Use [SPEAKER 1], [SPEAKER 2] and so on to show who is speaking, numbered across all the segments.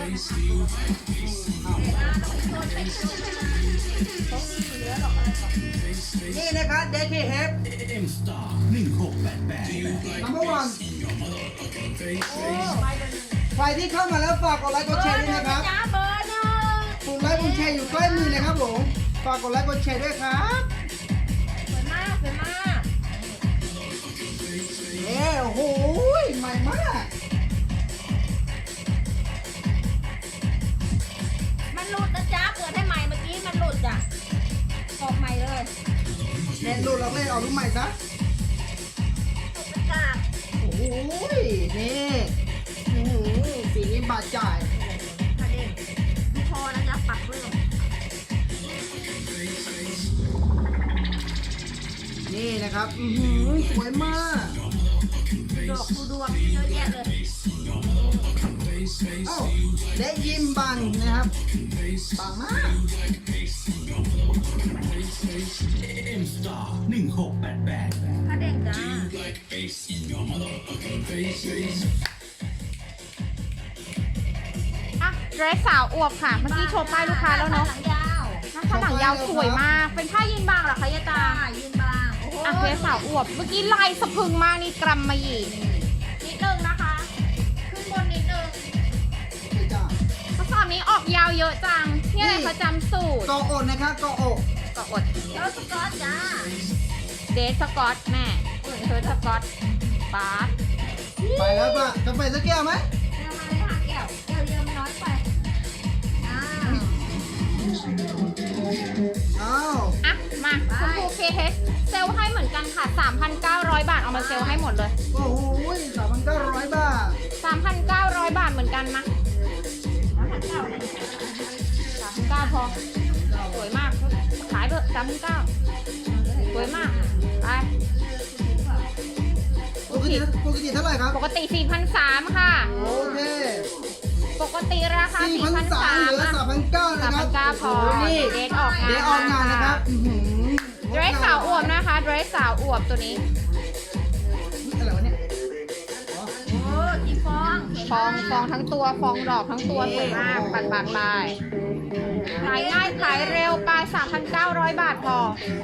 [SPEAKER 1] นี่นะครับเดคเฮฟนัมเบอร์วันใครที่เข้ามาแล้วฝากกดไลค์กดแชร์ด้วยนะครับ
[SPEAKER 2] เบอร์หนึ่ง
[SPEAKER 1] ปุ่มไลค์ปุ่มแชร์อยู่ใกล้มือนะครับผมฝากกดไลค์กดแชร์ด้วยครับ
[SPEAKER 2] สวยมากสวยมาก
[SPEAKER 1] โอ้โหใหม่มาก
[SPEAKER 2] มันหลุดนะจ๊ะเกิดให้ใหม่เมื่อกี้มันหลุดจ้ะออกใหม่เลย
[SPEAKER 1] เน็ตหลุดเราเลยเอาลูกใหม่ซะ
[SPEAKER 2] ตกเป็นกาก
[SPEAKER 1] โอ้โหนี่สีนี้บาดจ่าย
[SPEAKER 2] ค่ะเด็กไม่พอนะจ๊ะปักเรื่อง
[SPEAKER 1] นี่นะครับสวยมาก
[SPEAKER 2] ดอกดูดวงเยอะแยะเลย
[SPEAKER 1] เอ้าได้ยิมบังนะครับบังมาก
[SPEAKER 2] ค่ะเด็กจ้า
[SPEAKER 3] อ่ะเดรสสาวอวบค่ะ เมื่อกี้โชว์ป้ายลูกค้าแล้วเนาะ
[SPEAKER 2] หลังยาว
[SPEAKER 3] หน้าหลังยาวสวยมาก เป็นผ้ายีนบางเหรอคะยายตา
[SPEAKER 2] ยืนบางโอ้โห
[SPEAKER 3] อ่ะเดรสสาวอวบ เมื่อกี้ลายสะพรึงมากนี่กรัมมาหยี่นิดนึงนะคะ ขึ้นบนนิดนึง
[SPEAKER 1] นี่จ้าก
[SPEAKER 3] ระสอบนี้ออกยาวเยอะจัง นี่อะไรคะจำสูตร
[SPEAKER 1] กออกนะครับกออก
[SPEAKER 3] ก็อด
[SPEAKER 2] แล้วสกอตจ้า
[SPEAKER 3] เดรสสกอตแม่เธอสกอตบาส
[SPEAKER 1] ไปแล้วป่ะกาแฟสักแก้วไหม
[SPEAKER 2] เอามาเลยค่ะแก้วเยอะมันน้อยไปอ้าว
[SPEAKER 1] อ้าว
[SPEAKER 3] อ่ะ มาชมพู KH เซลลให้เหมือนกันค่ะ 3,900 บาท เอามาเซลลให้หมดเลย
[SPEAKER 1] โอ้โห3,900 บาท
[SPEAKER 3] 3,900 บาทเหมือนกันมา
[SPEAKER 2] แล้วผัดเก่าเลย
[SPEAKER 3] 3,900พอ สวยมาก ขายเถอะ3,900สวยมาก ไป
[SPEAKER 1] ปกติเท่าไหร่ครับ
[SPEAKER 3] ปกติ 4,300 ค่ะ
[SPEAKER 1] โอเค
[SPEAKER 3] ปกติราคา
[SPEAKER 1] 4,300 เหลือ
[SPEAKER 3] 4,300
[SPEAKER 1] 3,900 นะครับ
[SPEAKER 3] 3,900พอ
[SPEAKER 1] นี่
[SPEAKER 3] เดทออกงาน
[SPEAKER 1] เดี๋ยวออกงานนะครับ
[SPEAKER 3] เดรสสาวอวบนะคะ เดรสสาวอวบตัวนี้
[SPEAKER 1] อะไรวะเนี่ย
[SPEAKER 2] โอ้จีฟองเห็น
[SPEAKER 3] ฟองทั้งตัว ฟองดอกทั้งตัวสวยมากปัดไปขายง่ายขายเร็วไป 3,900 บาทพอ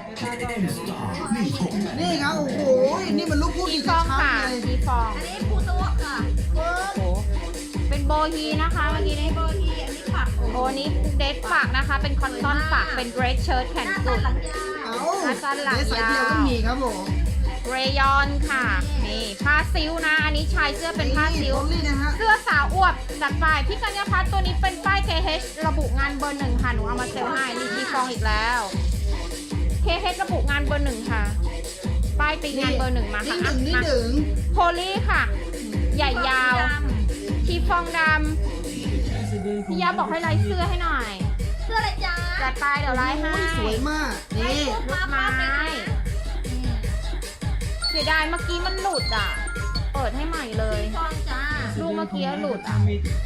[SPEAKER 1] นี่ครับ โอ้โห นี่มันลูกพูด
[SPEAKER 3] มี
[SPEAKER 1] อีก
[SPEAKER 3] ฟอง
[SPEAKER 1] ชัด
[SPEAKER 3] ค่ะ
[SPEAKER 1] เลย
[SPEAKER 3] มีฟอง
[SPEAKER 2] อันนี้ปูโต๊ะค่ะ
[SPEAKER 3] โอ้โหเป็นโบฮีนะคะเมื่อกี้นี้
[SPEAKER 2] โบทีอันนี้ผัก
[SPEAKER 3] โอ้นี้เดทฝากนะคะ เป็นคอนตอนฝากเป็นเดรสเชิ้ตแข
[SPEAKER 2] ห
[SPEAKER 3] น
[SPEAKER 2] น้า
[SPEAKER 3] กุ
[SPEAKER 2] ตา
[SPEAKER 3] ด
[SPEAKER 2] หลังยาว
[SPEAKER 1] เอ้า
[SPEAKER 3] อาจารย์หลัง
[SPEAKER 1] เดี๋ยวสายเดียวย
[SPEAKER 3] าว
[SPEAKER 1] ก็มีครับผม
[SPEAKER 3] เรยอนค่ะ นี่ผ้าซิลนะ อันนี้ชายเสื้อเป็นผ้าซิล
[SPEAKER 1] โพลี่นะฮะ
[SPEAKER 3] เสื้อสาวอวบจัดไปพี่กัญญาพัฒน์ตัวนี้เป็นป้าย KH ระบุงานเบอร์หนึ่งค่ะ หนูเอามาเซลลให้นี่มีฟองอีกแล้ว KH ระบุงานเบอร์หนึ่งค่ะ ป้ายตีงานเบอร์หนึ่งมาค่ะ
[SPEAKER 1] นี่
[SPEAKER 3] อ่ะ
[SPEAKER 1] หนึ่ง
[SPEAKER 3] โพลี่ค่ะ ใหญ่ยาวชีฟองดำพี่ยาบอกให้ไลฟ์เสื้อให้หน่อย
[SPEAKER 2] เสื้ออะไรจ้า
[SPEAKER 3] จัดไปเดี๋ยวไลฟ์ให้
[SPEAKER 1] สวยมาก นี่
[SPEAKER 3] ลูกไม้เสียดายเมื่อกี้มันหลุดอ่ะ เปิดให้ใหม่เลย
[SPEAKER 2] ฟองจ้า
[SPEAKER 3] ลูกเมื่อกี้หลุดอ่ะ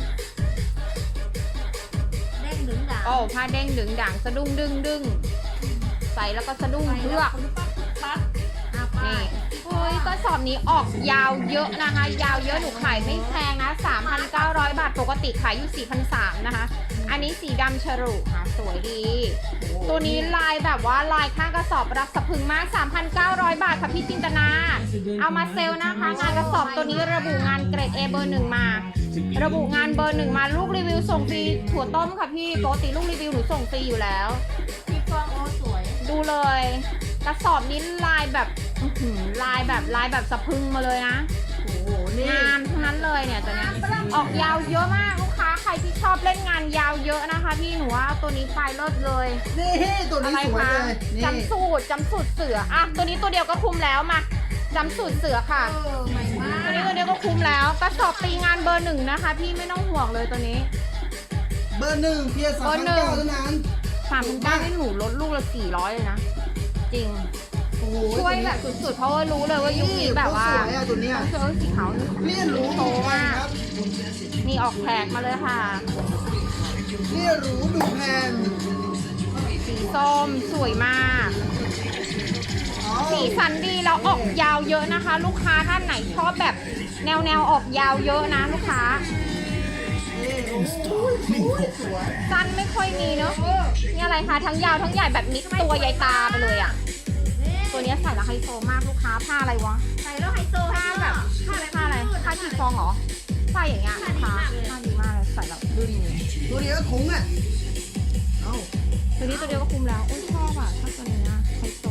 [SPEAKER 2] เด้งดึงด่า
[SPEAKER 3] โอ้ผ้าเด้งดึงดังสะดุ้งดึงดึงใส่แล้วก็สะดุ้งเลือก
[SPEAKER 2] ปั๊บไป
[SPEAKER 3] นี่เฮ้ยกระสอบนี้ออกยาวเยอะนะคะ ยาวเยอะหนูขายไม่แพงนะ 3,900 บาทปกติขายอยู่ 4,300 นะคะ อันนี้สีดำฉลุค่ะสวยดี ตัวนี้ลายแบบว่าลายข้างกระสอบรักสะพรึงมาก 3,900 บาทค่ะพี่จินตนา เอามาเซลลนะคะ งานกระสอบตัวนี้ระบุงานเกรด A เบอร์หนึ่งมา ระบุงานเบอร์หนึ่งมาลูกรีวิวส่งฟรีถั่วต้มค่ะพี่ปกติลูกรีวิวหนูส่งฟรีอยู่แล้ว
[SPEAKER 2] พี่ฟองโอ้สวย
[SPEAKER 3] ดูเลย กระสอบนี้ลายแบบลายแบบสะพรึงมาเลยนะ
[SPEAKER 1] โอ้โห นี่
[SPEAKER 3] งามทั้งนั้นเลยเนี่ยตัวเนี้ยออกยาวเยอะมากลูกค้าใครที่ชอบเล่นงานยาวเยอะนะคะพี่หนูว่าตัวนี้ไปเลิศเลย
[SPEAKER 1] นี่ตัวนี้
[SPEAKER 3] อะไร
[SPEAKER 1] สวย
[SPEAKER 3] คะ
[SPEAKER 1] เลย นี่
[SPEAKER 3] จำสูตรเสืออ่ะตัวนี้ตัวเดียวก็คุ้มแล้วมาจำสูตรเสือค่ะ
[SPEAKER 2] ใหม่มาก
[SPEAKER 3] ตัวนี้ตัวเดียวก็คุ้มแล้วกระสอบตีงานเบอร์หนึ่งนะคะ พี่ไม่ต้องห่วงเลยตัวนี้
[SPEAKER 1] เบอร์หนึ่งเพียร์
[SPEAKER 3] เบอร์หนึ่ง
[SPEAKER 1] 3,900 เท่านั้น
[SPEAKER 3] 3,900ให้หนูลดลูกละ400เลยนะจริง
[SPEAKER 1] โอ้โห
[SPEAKER 3] ช่วยแบบสุดๆเพราะว่ารู้เลยว่ายุคนี้แบบว่า
[SPEAKER 1] สวยอะตัวเนี้ย
[SPEAKER 3] เสื้อสีขาว
[SPEAKER 1] เรียนรู้
[SPEAKER 3] โตมาก
[SPEAKER 1] ครับ
[SPEAKER 3] นี่ออกแขกมาเลยค่ะ
[SPEAKER 1] เรียนรู้ดูแพน
[SPEAKER 3] สีส้มสวยมาก
[SPEAKER 1] อ๋อ
[SPEAKER 3] สีสันดีแล้วออกยาวเยอะนะคะ ลูกค้าท่านไหนชอบแบบแนวออกยาวเยอะนะลูกค้า
[SPEAKER 1] นี่โอ้โห
[SPEAKER 3] สั้นไม่ค่อยมีเนาะนี่อะไรคะทั้งยาวทั้งใหญ่แบบมิดตัวใหญ่ตาไปเลยอ่ะ ตัวเนี้ยใส่แล้วไฮโซมากลูกค้าผ้าอะไรวะ
[SPEAKER 2] ใส่แล้วไฮโซ
[SPEAKER 3] ผ้าแบบผ้าอะไรผ้าชีฟองเหรอผ้าอย่างเงี้ยลูกค้าผ้าดีมากเลยใส่แล้วดูดี
[SPEAKER 1] ตัวเดียวก็คุ้งอ่ะเอ้า
[SPEAKER 3] ตัวนี้ตัวเดียวก็คุ้มแล้วโอ้ยชอบอ่ะชอบตัวนี้นะไฮโซ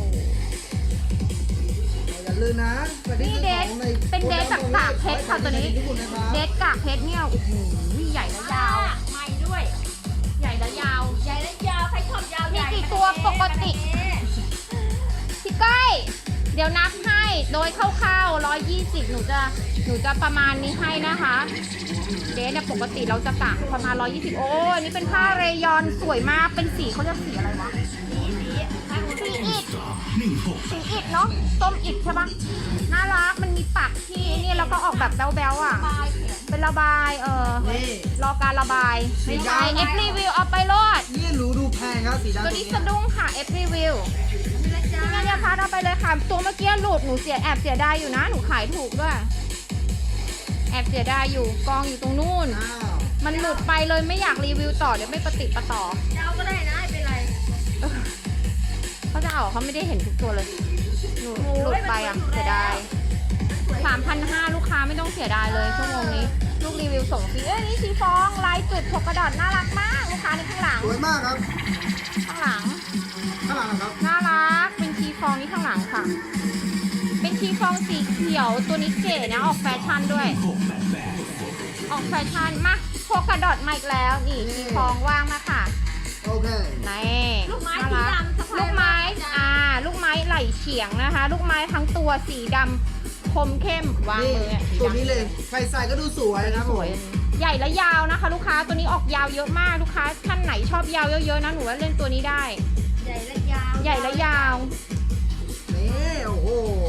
[SPEAKER 1] อย่าลืมนะ
[SPEAKER 3] นี่เดทเป็นเดทจากกากเพชรค่ะตัวนี้ เดทกากเพชรเนี่ยโอ้โหใหญ่และยาว
[SPEAKER 2] ใหม่ด้วย
[SPEAKER 3] ใหญ่และยาว
[SPEAKER 2] ใหญ่และยาวใครชอบยาวใหญ่
[SPEAKER 3] มีกี่ตัวปกติ พี่ก้อยเดี๋ยวนับให้โดยคร่าวๆ120หนูจะประมาณนี้ให้นะคะ เดทเนี่ยปกติเราจะกะประมาณ120โอ้อันนี้เป็นผ้าเรยอนสวยมากเป็นสีเขาจะสีอะไรวะสีอิฐสีอิฐเนาะส้มอิฐใช่ปะน่ารักมันมีปักที่นี่แล้วก็ออกแบบแบ๊วๆอ่ะ เป็นระบาย
[SPEAKER 1] นี่
[SPEAKER 3] รอการระบายไม่ใช่เอฟรีวิวเอาไปโลด
[SPEAKER 1] นี่หนูดูแพงครับสีดำ
[SPEAKER 3] ตัวนี้สะดุ้งค่ะเอฟรีวิว พี่กัญญาพัฒน์เอาไปเลยค่ะ ตัวเมื่อกี้หลุดหนูแอบเสียดายอยู่นะ หนูขายถูกด้วย แอบเสียดายอยู่กองอยู่ตรงนู่น
[SPEAKER 1] อ้าว
[SPEAKER 3] มันหลุดไปเลยไม่อยากรีวิวต่อเดี๋ยวไม่ปฏิดประต่อย
[SPEAKER 2] าวก็ได้นะไม่เป็นไร
[SPEAKER 3] เขาจะเอาเขาไม่ได้เห็นทุกตัวเลยหนูหลุดไปอ่ะเสียดาย 3,500 ลูกค้าไม่ต้องเสียดายเลยชั่วโมงนี้ ลูกรีวิวส่งฟรีนี่ชีฟองลายจุด6 กระดาษน่ารักมากลูกค้าในข้างหลัง
[SPEAKER 1] สวยมากครับ
[SPEAKER 3] ข้างหลัง
[SPEAKER 1] ข้างหลังนะครับ
[SPEAKER 3] น่ารัก เป็นชีฟองนี่ข้างหลังค่ะ เป็นชีฟองสีเขียว ตัวนี้เก๋นะ ออกแฟชั่นด้วย ออกแฟชั่น มาโฟกัสดอทมาอีกแล้ว นี่ชีฟองว่างมาค่ะ
[SPEAKER 1] โอเค
[SPEAKER 3] นี่
[SPEAKER 2] ลูกไม้
[SPEAKER 3] น่า
[SPEAKER 2] สี
[SPEAKER 3] รัก
[SPEAKER 2] ดำสะพาย
[SPEAKER 3] ลูกไม้
[SPEAKER 2] จ้ะ
[SPEAKER 3] ลูกไม้ไหลเฉียงนะคะ ลูกไม้ทั้งตัวสีดำคมเข้ม วาง
[SPEAKER 1] นี่
[SPEAKER 3] มือสี
[SPEAKER 1] ตัว
[SPEAKER 3] ดำ
[SPEAKER 1] นี้เลยใครใส่ก็ดูสวยนะครับ
[SPEAKER 3] สวยอันนี้ใหญ่และยาวนะคะ ลูกค้า ตัวนี้ออกยาวเยอะมาก ลูกค้าท่านไหนชอบยาวเยอะๆนะ หนูว่าเล่นตัวนี้ได้
[SPEAKER 2] ใหญ่และยาว
[SPEAKER 3] ใหญ่และยาว
[SPEAKER 1] นี่โอ้โห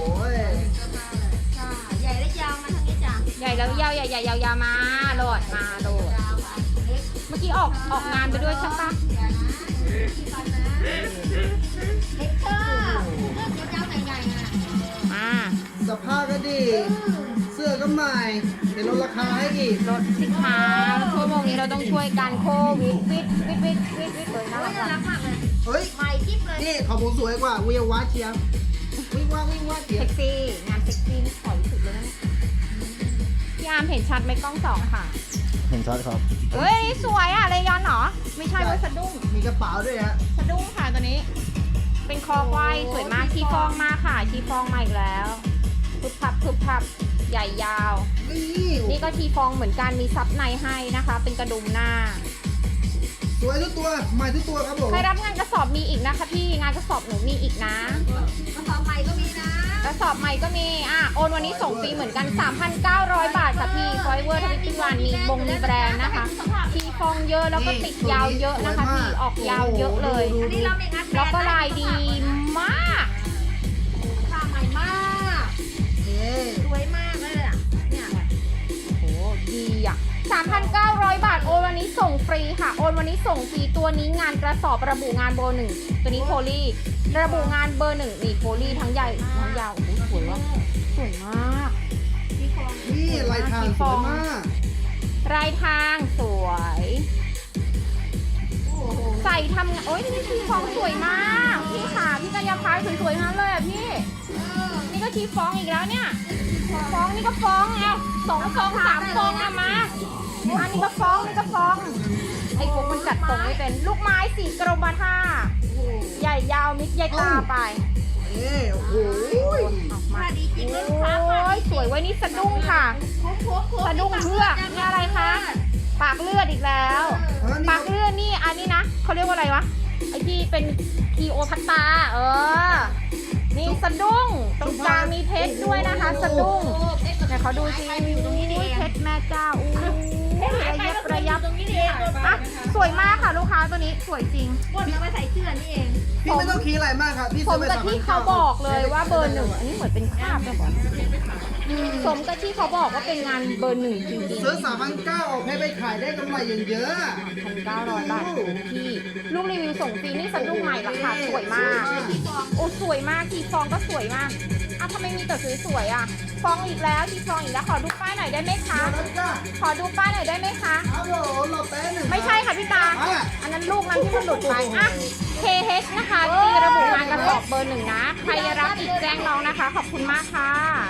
[SPEAKER 2] จ้ะใหญ่และยาวมาทางนี้จ้ะ
[SPEAKER 3] ใหญ่แล้วยาวใหญ่ยาวมาโหลดมาโหลด
[SPEAKER 2] ยาวอ่ะเล็ก
[SPEAKER 3] เมื่อกี้ออกงานไปด้วยใช่ปะ
[SPEAKER 2] เล็กเชอร์เลือกยาวๆใหญ่ๆอ่ะ
[SPEAKER 3] มา
[SPEAKER 1] สภาพก็ดี เสื้อก็ใหม่เดี๋ยวลดราคาให้อีก
[SPEAKER 3] ลดสินค้าชั่วโมงนี้เราต้องช่วยกันโควิดวิดเลยน่า
[SPEAKER 2] โอ้
[SPEAKER 3] รั
[SPEAKER 2] ย
[SPEAKER 3] ก
[SPEAKER 2] น่ารักมากเลย
[SPEAKER 1] เฮ้ย
[SPEAKER 2] ใหม่กิ๊บเลย
[SPEAKER 1] นี่ของผมสวยกว่าวิววัดเชียบวิ่งว่าเชีย
[SPEAKER 3] เซ็
[SPEAKER 1] บ
[SPEAKER 3] กซี่งานเซ็กซี่นี่ขอรู้สึกเลยนะพี่อาร์มเห็นชัดไหมกล้อง2ค่ะ
[SPEAKER 4] เห็นชัดครับ
[SPEAKER 3] เฮ้ยสวยอะเลยอนเหรอไม่ใช่เว้ยสะดุ้ง
[SPEAKER 1] มีกระเป๋าด้วยฮะ
[SPEAKER 3] สะดุ้งค่ะตัวนี้ เป็นคอควายสวยมากชีฟองมาค่ะชีฟองมาอีกแล้วพึบพับใหญ่ยาว
[SPEAKER 1] นี่
[SPEAKER 3] นี่ก็ชีฟองเหมือนกันมีซับในให้นะคะ เป็นกระดุมหน้า
[SPEAKER 1] สวยทุกตัวใหม่ทุกตัวครับผม
[SPEAKER 3] ใครรับงานกระสอบมีอีกนะคะพี่งานกระสอบหนูมีอีกนะ
[SPEAKER 2] กระสอบใหม่ก็มีนะ
[SPEAKER 3] กระสอบใหม่ก็มีโอนวันนี้ส่งฟรีเหมือนกัน 3,900 บาทค่ะพี่ฟอยเวอร์ทวิตตี้วันมีมีแบรนด์นะคะชีฟองเยอะแล้วก็ติดยาวเยอะนะคะพี่ออกยาวเยอะเลย
[SPEAKER 2] อันนี้เราไม่งัด
[SPEAKER 3] แล้วก็ลายดีมาก
[SPEAKER 2] ผ้าใหม่มาก
[SPEAKER 1] นี่
[SPEAKER 2] สวยมากเลยอ่ะเนี่ย
[SPEAKER 3] โอ้ดีอ่ะ 3,900 บาทโอนวันนี้ส่งฟรีค่ะโอนวันนี้ส่งฟรีตัวนี้งานกระสอบระบุงานเบอร์1ตัวนี้โพลีระบุงานเบอร์1นี่โพลีทั้งใหญ่ทั้งยาวโอ้โหสวยว่ะสวยมาก
[SPEAKER 2] ที่ฟอง
[SPEAKER 1] นี่ลายทางสวยมาก
[SPEAKER 3] ลายทางสวย
[SPEAKER 2] โอ้โห
[SPEAKER 3] ใส่ทำงานโอ้ยนี่ชีฟองสวยมากพี่ค่ะพี่กัญญาพัฒน์สวยๆทั้งนั้นเลยอ่ะพี่นี่ก็ชีฟองอีกแล้วเนี่ยฟองนี่ก็ฟองเอา2 ฟอง 3 ฟองอะมาอันนี้ก็ฟองนี่ก็ฟองไอ้พวกมันจัดตรงไม่เป็นลูกไม้สีกรมท่าใหญ่ยาวมิดใหญ่ตาไป
[SPEAKER 1] นี่โอ้โห
[SPEAKER 3] ออกมา
[SPEAKER 2] ผ้าดีจริง
[SPEAKER 3] โอ
[SPEAKER 2] เลยลูกค้าผ้า
[SPEAKER 3] ้ย
[SPEAKER 2] ดี
[SPEAKER 3] สวยไว้ยนี่สะดุ้งค่ะ สะดุ้งเพือกนี่อะไรคะ ปากเลือดอีกแล้ว ปากเลือดนี่อันนี้นะเขาเรียกว่าอะไรวะไอ้ที่เป็นคีโอพัตตานี่สะดุ้งตรงกลางมีเพชรด้วยนะคะ สะดุ้งแต่เขาดูสิเพชรแม่เจ้าอู้ระยับ
[SPEAKER 2] ตรงนี้เอง
[SPEAKER 3] อ่ะสวยมากค่ะลูกค้าตัวนี้สวยจริง
[SPEAKER 2] กดเอาไปใส่เสื้อนี่เอง
[SPEAKER 1] พี่ไม่ต้องคิดอะไรมากครับพี่
[SPEAKER 3] สมกับที่เขาบอกเลยว่าเบอร์ 1อันนี้เหมือนเป็นคราบเลยบอกสมกับที่เขาบอกว่าเป็นงานเบอร์ 1จริงๆ
[SPEAKER 1] ซื้อ3,900ออกให้ไปขายได้กำไรอย่างเยอะ
[SPEAKER 3] 1,900 บาทที่ลูกรีวิวส่งฟรีนี่สะดุ้งใหม่ราคาสวยมากโอ้สสวยมากทีฟองก็สวยมากอ้าวทำไมมีแต่สวยๆอ่ะฟองอีกแล้วทีฟองอีกแล้วขอดูป้ายหน่อยได้ไหมคะ
[SPEAKER 1] แล้วจ้า
[SPEAKER 3] ขอดูป้ายหน่อยได้ไหมคะ
[SPEAKER 1] ฮัลโหลรอแป๊บหนึ่ง
[SPEAKER 3] ไม่ใช่ค่ะพี่ตา
[SPEAKER 1] อ่ะ
[SPEAKER 3] อันนั้นลูกนั้นที่มันหลุดไปอ่ะ KH นะคะตีระบุงานกระสอบเบอร์ 1นะใครรับอีกแจ้งน้องนะคะขอบคุณมากค่ะ